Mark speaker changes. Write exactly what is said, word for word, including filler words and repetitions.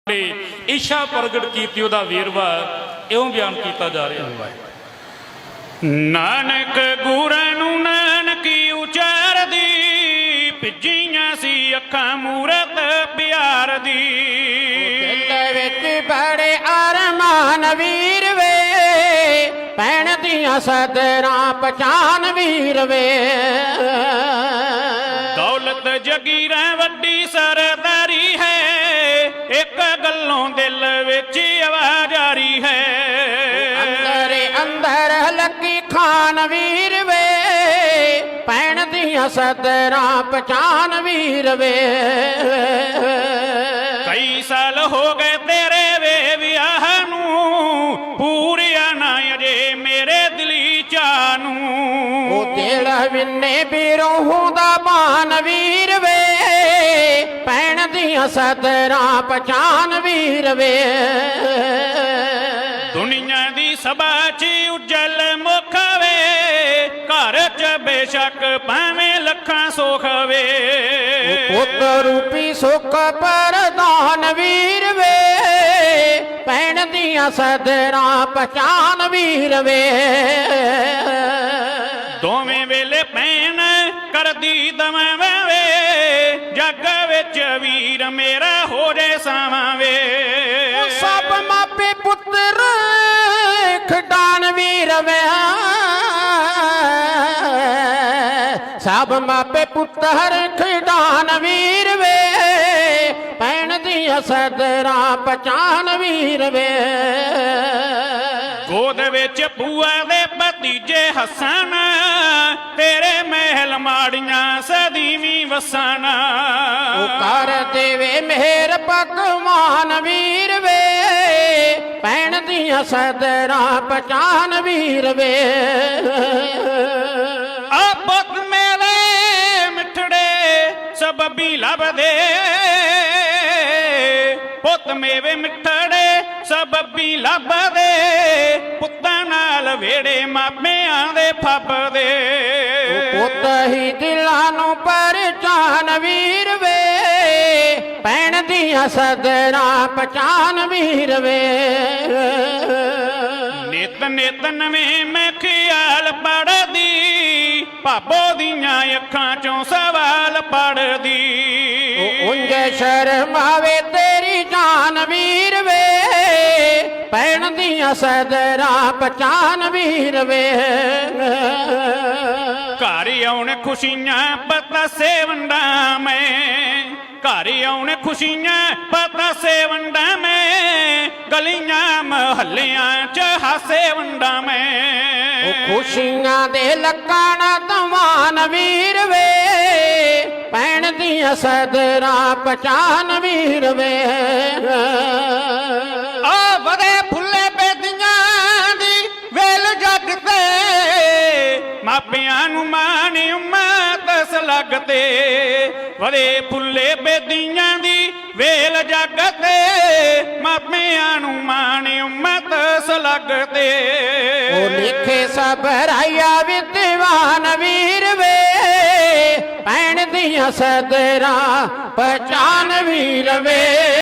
Speaker 1: इच्छा प्रगट की वेरवा इवं बयान किया जा रहा है।
Speaker 2: नानक गुरां नूं नानकी उचारदी भिजियां सी अखां मूरत प्यार दी।
Speaker 3: दिल विच बड़े अरमान वीर वे भैण दियां सदरां पहचान वीर वे।
Speaker 2: दौलत जगीरां वड्डी सरदारी है एक गल्लों दिल विच आवाज आ रही है।
Speaker 3: अंदर अंदर लकी खान वीर वे भैण दियां सदरां पहचान वीर वे।
Speaker 2: कई साल हो गए तेरे वे विआह नूं पूरिया ना अजे मेरे दिली चानू।
Speaker 3: ओ तेरा विन्ने बिरोहू दा बान वीर वे भैण दियां सदरां पहचान वीर वे।
Speaker 2: दुनिया दी सभा च उज्जल मुख वे घर च बेशक भावें लखां सुख वे।
Speaker 3: पुत रूपी सुख परदान वीर वे भैण दियां सदरां पहचान वीर वे।
Speaker 2: दोवें वेले भैन करदी दवां वे जग विच वीर मेरा हो जाए सावां वे।
Speaker 3: सब मापे पुत्र खिडान वीर वे सब मापे पुत्र खिडान वीर वे भैण दियां सदरां पहचान वीर वे।
Speaker 2: गोद विच भूआ दे भतीजे हसन तेरे महल माड़ियां सदीवी वसन।
Speaker 3: कर देवे मेहर भगवान वीर वे भैण दियां सदरां पहचान वीर वे।
Speaker 2: आपत मेरे मिठड़े सबबी लभदे पुत मेवे मिठड़े सबबी लभदे पुत्तां नाल वेड़े मापियां दे फबदे।
Speaker 3: पुत ही दिलां नूं पहचान वीर वे भैण दियां सदरां पहचान वीर वे।
Speaker 2: नित नित नवें मैं ख्याल पढ़दी भाबो दियां अखां चों सवाल पढ़दी।
Speaker 3: उंज शर्मावे तेरी जान वीर वे भैण दियां सदरां पहचान वीर वे।
Speaker 2: घर आउण खुशियां पता से वंडा मैं घर आउण खुशियां पता से वंडा मैं गलियां महल्लियां च हासे वंडा मैं।
Speaker 3: खुशियां दे लकाना दवान वीर वे भैण दियां सदरां पहचान वीर वे।
Speaker 2: आ वदे फुल्ले बेदियां दी वेल जग ते मापियां नूं मान उम्मत सलगते। वदे फुल्ले बेदियां दी वेल जग ते मापियां नूं मान उम्मत सलगते।
Speaker 3: ओ लिखे सब राया विद्वान वीर वे भैण दियां सदरां पहचान वीर वे।